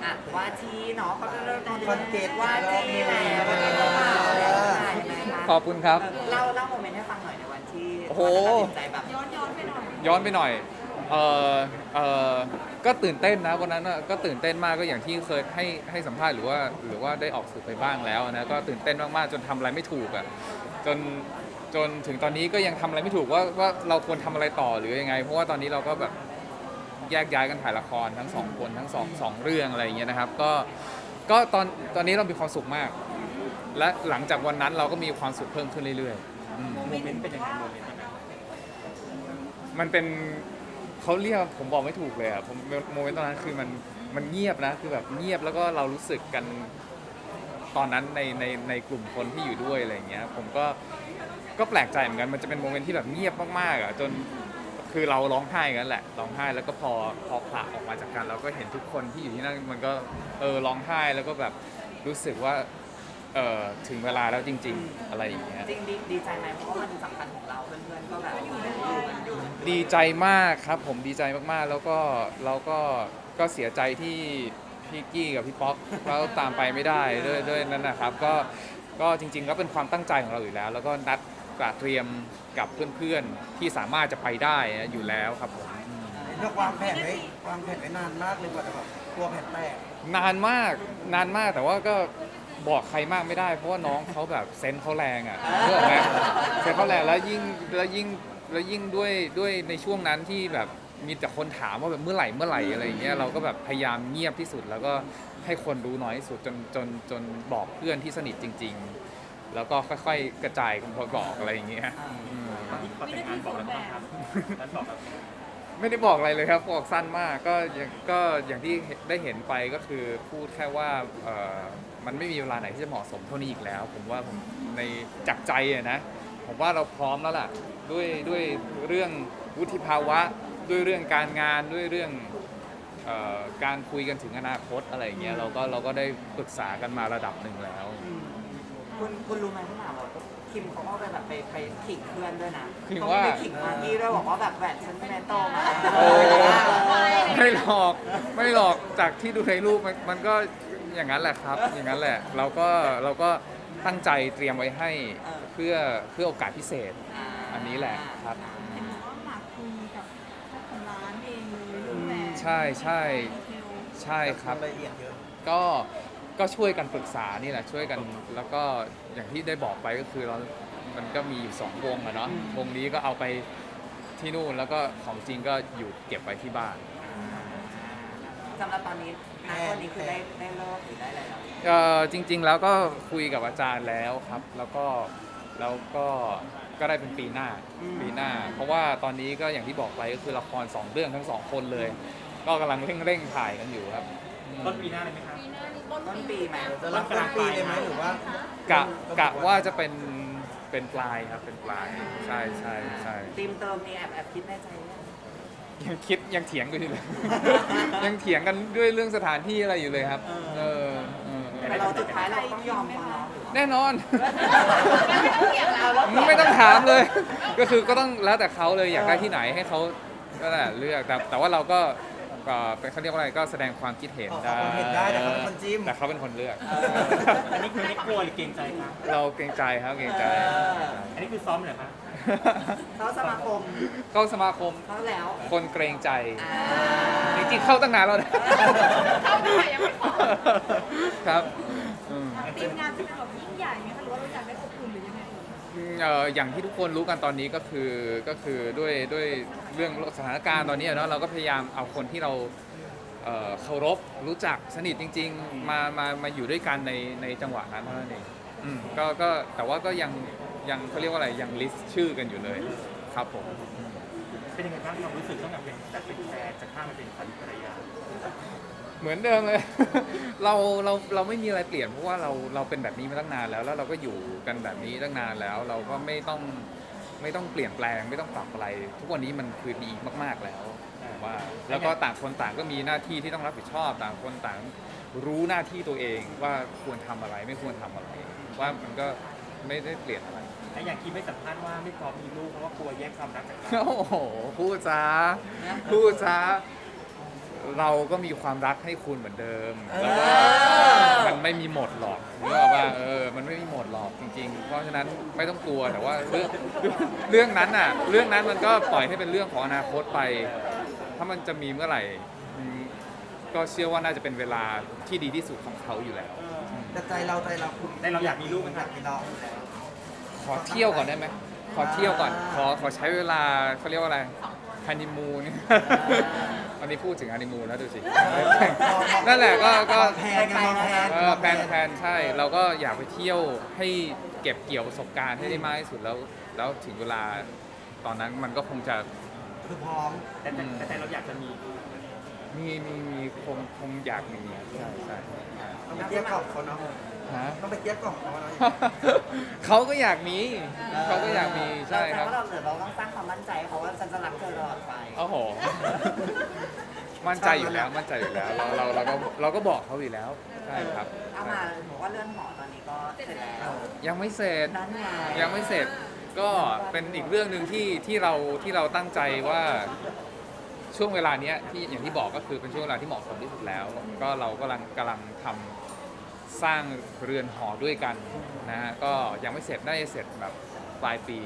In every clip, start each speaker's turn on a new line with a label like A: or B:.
A: อ่ะว่าที่เนาะเขาจะเริ่มตอน
B: คอนเกต
A: ว่าที่แล้ววันนี้ก็มาแล้วยังไงคะ
C: ขอบคุณครับ
A: เล่าโมเมนต์ให้ฟังหน่อยในวันที่
C: โอ้โห
A: ตัดสินใจแบบย้อนไปหน่อย
C: ย้อนไปหน่อยเออเออก็ตื่นเต้นนะวันนั้นน่ะก็ตื่นเต้นมากก็อย่างที่เคยให้สัมภาษณ์หรือว่าได้ออกสื่อไปบ้างแล้วนะก็ตื่นเต้นมากๆจนทำอะไรไม่ถูกอ่ะจนถึงตอนนี้ก็ยังทำอะไรไม่ถูกว่าเราควรทำอะไรต่อหรือยังไงเพราะว่าตอนนี้เราก็แบบแยกย้ายกันถ่ายละครทั้งสองคนทั้งสองเรื่องอะไรอย่างเงี้ยนะครับก็ตอนนี้เรามีความสุขมาก และหลังจากวันนั้นเราก็มีความสุขเพิ่มขึ้นเรื่อยๆ
B: โมเมนต์เป็นยังไงโมเมนต์
C: มันเป็นเขาเรียกผมบอกไม่ถูกเลยอ่ะผมโมเมนต์ตอนนั้นคือมันเงียบนะคือแบบเงียบแล้วก็เรารู้สึกกันตอนนั้นในกลุ่มคนที่อยู่ด้วยอะไรอย่างเงี้ยผมก็แปลกใจเหมือนกันมันจะเป็นโมเมนต์ที่แบบเงียบมากๆอ่ะจนคือเราร้องไห้กันแหละร้องไห้แล้วก็พอผละออกมาจากกันเราก็เห็นทุกคนที่อยู่ที่นั่นมันก็ร้องไห้แล้วก็แบบรู้สึกว่าถึงเวลาแล้วจริงๆอะไรอย่างเงี้ย
A: จริงดีใจไหมเพราะว่ามันสำคัญของเราเพื่อนๆก็แบบอยู่กันอยู่
C: ดีใจมากครับผมดีใจมากๆแล้วก็เราก็เสียใจที่พี่กี้กับพี่ป๊อกเขาตามไปไม่ได้ด้วยนั้นนะครับก็จริงๆก็เป็นความตั้งใจของเราอยู่แล้ว แล้วก็นัดเตรียมกับเพื่อนๆที่สามารถจะไปได้อยู่แล้วครับผม
B: เลือกวางแผนไว้นานมากเลยกว่าจะแบบกลัวแผนแตก
C: นานมากแต่ว่าก็บอกใครมากไม่ได้เพราะว่าน้องเขาแบบเซนส์เขาแรงอ่ะเรื่องไหมเซนส์เขาแรงแล้วยิ่งด้วยในช่วงนั้นที่แบบมีแต่คนถามว่าแบบเมื่อไหร่อะไรอย่างเงี้ยเราก็แบบพยายามเงียบที่สุด แล้วก็ให้คนรู้น้อยที่สุดจนบอกเพื่อนที่สนิทจริงๆแล้วก็ค่อยๆกระจายกันพอบอกอะไรอย่างเงี้ยอืม
D: ตอนที่เขาแต่งงานบอกแล้วบ้างครับแล้วบอกแบบ
C: ไม่ได้บอกอะไรเลยครับบอกสั้นมากก็อย่างที่ได้เห็นไปก็คือพูดแค่ว่ามันไม่มีเวลาไหนที่จะเหมาะสมเท่านี้อีกแล้ว ผมว่าผมในจากใจอะนะผมว่าเราพร้อมแล้วล่ะด้วยเรื่องวุฒิภาวะด้วยเรื่องการงานด้วยเรื่องการคุยกันถึงอนาคตอะไรอย่างเงี้ยเราก็ได้ปรึกษากันมาระดับหนึ่งแล้ว
A: คุณรู้ไหมพี่หนาบอกคิมเขาก็ไปขิงเพื่อนด้วยนะ
C: ขิง
A: เขา
C: ว่า
A: ไปขิงมากกี้ด้วยบอกว่าแบบแหวนฉันแมนโตมา
C: โอ้ไม่หรอกจากที่ดูในรูปมันก็อย่างนั้นแหละครับอย่างนั้นแหละเราก็ตั้งใจเตรียมไว้ให้เพื่อโอกาสพิเศษอันนี้แหละครับ
E: เห็นบอกว่าหมากคุยกับเจ้าของร้านเองเลยเรื่องแหวน
C: ใช่ใช่
E: ดีเทล
C: ใช่ครับ
B: รายละเอียดเยอะ
C: ก็ช่วยกันปรึกษานี่แหละช่วยกันแล้วก็อย่างที่ได้บอกไปก็คือมันก็มีอยู่2วงอะเนาะวงนี้ก็เอาไปที่นู่นแล้วก็ของจริงก็อยู่เก็บไว้ที่บ้าน
A: สำหรับตอนนี้วันนี้คือได้เลิกหรือได้อะไรแล้ว
C: จริง ๆ แล้วก็คุยกับอาจารย์แล้วครับ แล้วก็ได้เป็นปีหน้า เพราะว่าตอนนี้ก็อย่างที่บอกไปก็คือละคร2เรื่องทั้ง2คนเลย ก็กำลังเร่งถ่ายกันอยู่ครับ
D: ต้นปีหน้าเลยไหมครับ
A: ต้นปีไหม
B: จะรับต้นปีเลยไหมหรือว่า
C: กะว่าจะเป็นปลายครับเป็นปลายใช่
A: ทีมเติมนี่แอบคิดในใจยัง
C: ยังเถียงกันอยู่เลย ยังเถียงกันด้วยเรื่องสถานที่อะไรอยู่เลยครับเออ
A: แต่เราสุดท้ายเราต้องยอมเขาเนาะหรือว่า
C: แน่นอน
A: ไม่ต้องเถียงเราแล้ว
C: ไม่ต้องถามเลย ก็คือก็ต้องแล้วแต่เขาเลยอยากได้ที่ไหนให้เขาก็แหละเลือกแต่ว่าเราก็เป็นเขาเรียกว่าอะไรก็แสดงความคิดเห็นได้
B: เขาเห็นได้แต่เขาเป็นคนจิ้ม
C: แต่เขาเป็นคนเลือก
D: อันนี้คือไม่กลัวหรือเกรงใจครับ
C: เราเกรงใจครับเกรงใจ
D: อันนี้คือซ้อมเหรอครับ
A: เขาสมาคม
C: ก็สมาคม
A: เขาแล้ว
C: คนเกรงใจ
A: อ่า
C: จริงๆเข้าตั้งนานแล้วนะ
E: เข้าได้ยังไม่พอ
C: ครับอืม
E: ทีมงานจะเป็นแบบยิ่งใหญ่ไหมคะหรือว่าเราอยากได้อบอุ่นหรือยังไง
C: อย่างที่ทุกคนรู้กันตอนนี้ก็คือด้วยเรื่องสถานการณ์ตอนนี้เนาะเราก็พยายามเอาคนที่เราเคารพรู้จักสนิทจริงๆมาอยู่ด้วยกันในจังหวะนั้นเท่านั้นเองก็แต่ว่าก็ยังเขาเรียกว่าอะไรยังลิสต์ชื่อกันอยู่เลยครับผม
D: เป็นยังไงบ้างความรู้สึกตั้งแต่เป็นแฟนจะข้ามมาเป็นสามีภรรยา
C: เหมือนเดิมเลย เราไม่มีอะไรเปลี่ยนเพราะว่าเราเป็นแบบนี้มาตั้งนานแล้วเราก็อยู่กันแบบนี้ตั้งนานแล้ว เราก็ไม่ต้องเปลี่ยนแปลงไม่ต้องปรับอะไร ทุกวันนี้มันคือดีมากๆแล้วผมว่าแล้วก็ต่างคนต่างก็มีหน้าที่ที่ต้องรับผิดชอบต่างคนต่างรู้หน้าที่ตัวเองว่าควรทำอะไรไม่ควรทำอะไรว่ามันก็ไม่ได้เปลี่ยนอะไร
D: และอย่างที่ไม่สัมภาษณ์ว่าไม่พร้อมมีลูกเพราะว่ากลัวแยกความรักจากกัน
C: โอ้โหพูดจ้าเราก็มีความรักให้คุณเหมือนเดิมแล้วก็มันไม่มีหมดหรอกนึกออกว่ามันไม่มีหมดหรอกจริง ๆ เพราะฉะนั้นไม่ต้องกลัวแต่ว่าเรื่องนั้นน่ะเรื่องนั้นมันก็ปล่อยให้เป็นเรื่องของอนาคตไป ถ้ามันจะมีเมื่อไหร่ก็เชื่อว่าน่าจะเป็นเวลาที่ดีที่สุดของเขาอยู่แล้ว
B: แต่ใจเราคุณ
D: แต่เราอยากมีลูกไหมค
B: อ
D: รั
B: ยา
D: บ
B: กมีน้องอยู่แล้ว
C: ขอเที่ยวก่อนได้ไหมขอเที่ยวก่อนขอใช้เวลาเขาเรียกว่าอะไรฮันนีมูนวันนี้พูดถึงฮันนีมูนแล้วดูสินั่นแหละก็
B: แพนกันแพน
C: แพนใช่ เราก็อยากไปเที่ยวให้เก็บเกี่ยวประสบการณ์ให้ได้มากที่สุดแล้วถึงเวลาตอนนั้นมันก็คงจะ
B: คือพร้อม
D: แต่เราอยากจะมี
C: มีคงอยากมีใช่ใช่
B: ต้องไปเทียบกล่อมเขาเนาะ
C: ฮะ
B: ต้องไปเทียบกล่อมเขาเนาะ
C: เขาก็อยากมีเขาก็อยากมีใช่ครับ
A: แต่ว่าเราต้องสร้างความมั่นใจให้เขาว่าฉันจะรักเธอตลอดไป
C: โอ้โห มั่นใจอยู่แล้วมั่นใจอยู่แล้วเราก็บอกเขาอยู่แล้วใช่ครับ
A: เอามาบอกว่าเรื่องหอตอนนี้ก็เสร็จแล้ว
C: ยังไม่เสร็จ
A: นั่นไง
C: ยังไม่เสร็จก็เป็นอีกเรื่องหนึ่งที่เราตั้งใจว่าช่วงเวลาเนี้ยที่อย่างที่บอกก็คือเป็นช่วงเวลาที่เหมาะสมที่สุดแล้ว ก็เรากำลังทำสร้างเรือนหอด้วยกันนะฮะก็ยังไม่เสร็จได้เสร็จแบบปลายปี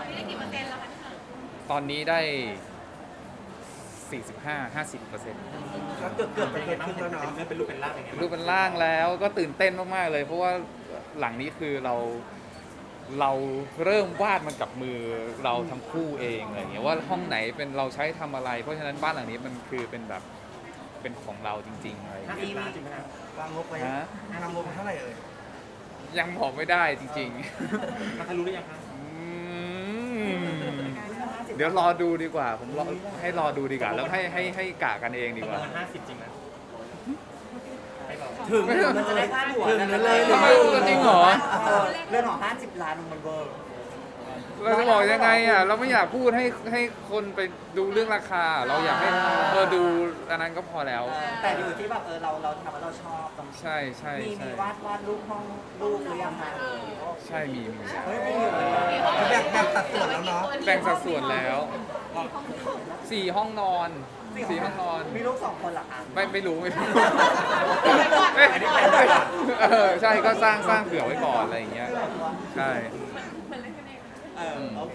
C: ตอนนี้ได้ 45-50%
B: แล้วเกือบจะ
D: เป็น
B: เกิ
D: ยัง
B: ด
D: ไงบ้าง
B: ขึ้นแล้วเนาะ
D: เป็นรูปเป็นร่างยังไง
C: รูปเป็นร่างแล้วก็ตื่นเต้นมากๆเลย เพราะว่าหลังนี้คือเราเริ่มวาดมันกับมือเราทั้งคู่เองอะไรอย่างเงี้ยว่าห้องไหนเป็นเราใช้ทำอะไร เพราะฉะนั้นบ้านหลังนี้มันคือเป็นแบบเป็นของเราจริงๆอะไรอย่างเงี้ย
D: 50 ล้านจริงไหมครับ
B: วางงบไว้
C: ฮะ
B: วางงบไว้เท่าไหร่เอ่ย
C: ยังบอกไม่ได้จริง
D: มันทะลุหรือยังครับ
C: ๆเดี๋ยวรอดูดีกว่าผมให้รอดูดีกว่าแล้วให้กะกันเองดีกว่า
D: ประมาณ50 จริงไหมให้บอก
B: ถึง
A: มันจะได้พลาดหัว
B: ถึงเลย
C: ทำไมจริงเหรอ
A: เรื่องของ50 ล้านมันเวอร์
C: เราจะบอกยังไงอ่ะเราไม่อยากพูดให้คนไปดูเรื่องราคา เราอยากให้ดูอันนั้นก็พอแล้ว
A: แต่อยู่ที่แบบเราทำแล้วเราชอบตรงนี้
C: ใช่ใช่
A: มี
C: ใช่
A: วาดรูปห้องรูปหรือยังคะ
C: ใช่มี
A: เฮ้ยไม่อยู่เลย
B: แบ่งสัดส่วนแล้วเนาะ
C: แบ่งสัดส่วนแล้ว4 ห้องนอน4 ห้องนอน
A: มีลูก2 คนเหรอคะ
C: ไม่รู้ใช่ก็สร้างเผื่อไว้ก่อนอะไรอย่างเงี้ยใช่
A: โอเค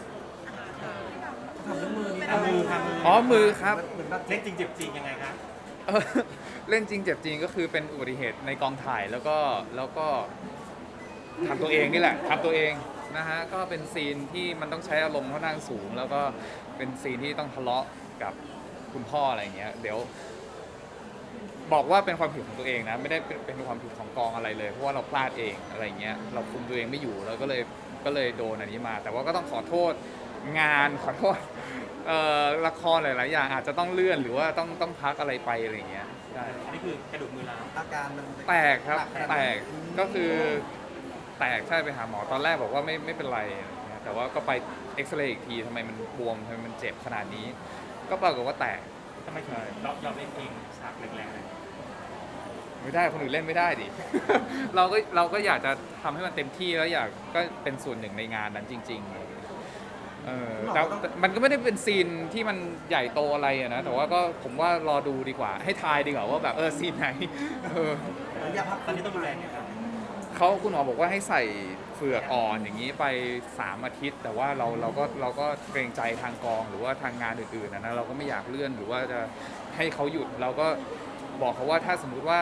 B: ทำด้วยมือนี่
D: ทำมือทำมือ
C: อ๋อมือครับ
B: เหมือนแบบ
D: เล่นจริงเจ็บจริงยังไงครับ
C: เล่นจริงเจ็บจริงก็คือเป็นอุบัติเหตุในกองถ่ายแล้วก็ทำตัวเองนี่แหละทำตัวเองนะฮะก็เป็นซีนที่มันต้องใช้อารมณ์ค่อนข้างสูง แล้วก็เป็นซีนที่ต้องทะเลาะกับคุณพ่ออะไรอย่างเงี้ยเดี๋ยว บอกว่าเป็นความผิดของตัวเองนะไม่ได้เป็นความผิดของกองอะไรเลยเพราะว่าเราพลาดเองอะไรอย่างเงี้ยเราคุมตัวเองไม่อยู่เราก็เลยโดนอันนี้มา แต่ว่าก็ต้องขอโทษงานขอโทษละครหลายๆอย่างอาจจะต้องเลื่อนหรือว่าต้องพักอะไรไปอะไรอย่างเงี้ยใช่
D: อันนี้คือกระดูกมือร้าว
B: อาการมัน
C: แตกครับแตกก็คือแตกใช่ไปหาหมอตอนแรกบอกว่าไม่เป็นไรอะไรอย่างเงี้ยแต่ว่าก็ไปเอ็กซเรย์อีกทีทำไมมันบวมทำไมมันเจ็บขนาดนี้ ก็ปรากฏว่าแตก
D: ทำไมถึงยอมเล่นเองฉากแรงๆเลย
C: ไม่ได้คนอื่นเล่นไม่ได้ดิ เราก็อยากจะทำให้มันเต็มที่แล้วอยากก็เป็นส่วนหนึ่งในงานนั้นจริงๆแต่มันก็ไม่ได้เป็นซีนที่มันใหญ่โตอะไรอะนะแต่ว่าก็ผมว่ารอดูดีกว่า ให้ทายดีกว่าว่าแบบซีนไหน
B: อยากพัก
D: ตอนนี้ต้องดูแลไงครับ
C: คุณหมอบอกว่าให้ใส่เฟือกอ่อนอย่างนี้ไป3 อาทิตย์ แต่ว่าเราก็เกรงใจทางกองหรือว่าทางงานอื่นๆนะเราก็ไม่อยากเลื่อนหรือว่าจะให้เขาหยุดเราก็บอกเขาว่าถ้าสมมุติว่า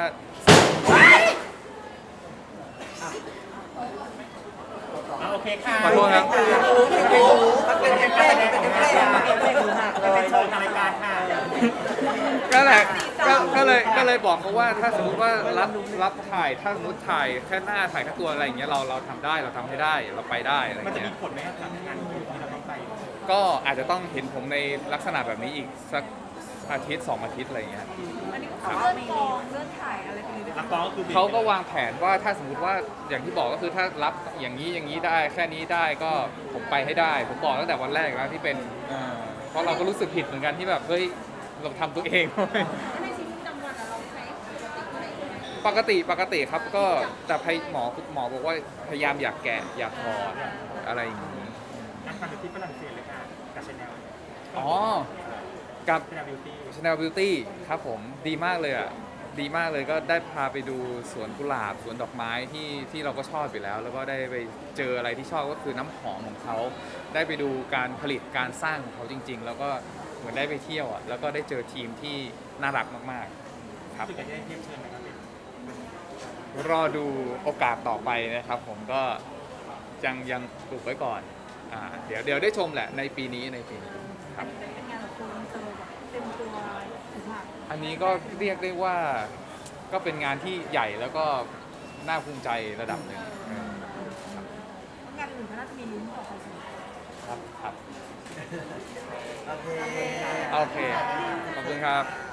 D: โอเคค่ะ
C: ขอโทษครับ
B: มันเป็นเอฟเฟกต์เป็นเอฟเฟกต์
D: เป็นโชว์ทางรายการค่ะ
C: ก็แหละก็เลยบอกเขาว่าถ้าสมมติว่ารับถ่ายถ้าสมมติถ่ายแค่หน้าถ่ายแค่ตัวอะไรอย่างเงี้ยเราทำได้เราทำให้ได้เราไปได้อะไรอ
D: มัน
C: ย่าง
D: จะ
C: เงี้
D: มี
C: ย
D: ผลไหมครับกับงานที่เราต้องไป
C: ก็อาจจะต้องเห็นผมในลักษณะแบบนี้อีกสักอาทิตย์2 อาทิตย์อะไรอย่างเงี้ย
E: อันนี้ก็คือเลื่อนกองเลื่อนถ่ายอะไรไปเลยด้วย
D: รับกองก็คือ
C: เขาก็วางแผนว่าถ้าสมมติว่าอย่างที่บอกก็คือถ้ารับอย่างนี้ได้แค่นี้ได้ก็ผมไปให้ได้ ผมบอกตั้งแต่วันแรกแล้วที่เป็นเพราะเราก็รู้สึกผิดเหมือนกันที่แบบเฮ้ยเราทำตัวเอง
E: ในชีวิตประจำวันเราใช้อะไร
C: ปกติครับก็แต่หมอบอกว่าพยายามอยากแกะอยากถอดอะไรอย่างนี้
D: นักทำอยู่ที่ฝรั่งเศสเลยค่ะกับชาแนล
C: อ๋อกับ
D: เป็นบิวตี้
C: Chanel Beauty ครับผมดีมากเลยอ่ะดีมากเลยก็ได้พาไปดูสวนกุหลาบสวนดอกไม้ที่เราก็ชอบอยู่แล้ว แล้วก็ได้ไปเจออะไรที่ชอบก็คือน้ำหอมของเขาได้ไปดูการผลิตการสร้างของเขาจริง ๆ แล้วก็เหมือนได้ไปเที่ยวอ่ะแล้วก็ได้เจอทีมที่น่ารักมากๆครับ
D: รู้สึกอยากได้เทียบเชิญไหมครับเป็น
C: รอดูโอกาสต่อไปนะครับผมก็ยังปลูกไว้ก่อนเดี๋ยวได้ชมแหละในปีนี้ครับ
E: เป็นงานแบบโกอินเตอร์แบบเต็มตัวถึงหลัก
C: อันนี้ก็เรียกได้ว่าก็เป็นงานที่ใหญ่แล้วก็น่าภูมิใจระดับหนึ่ง
E: งานอื่นก็น่าจะมีลุ้นต่อไปสิ
C: ครับ
B: โอเค
C: โอเค ขอบคุณครับ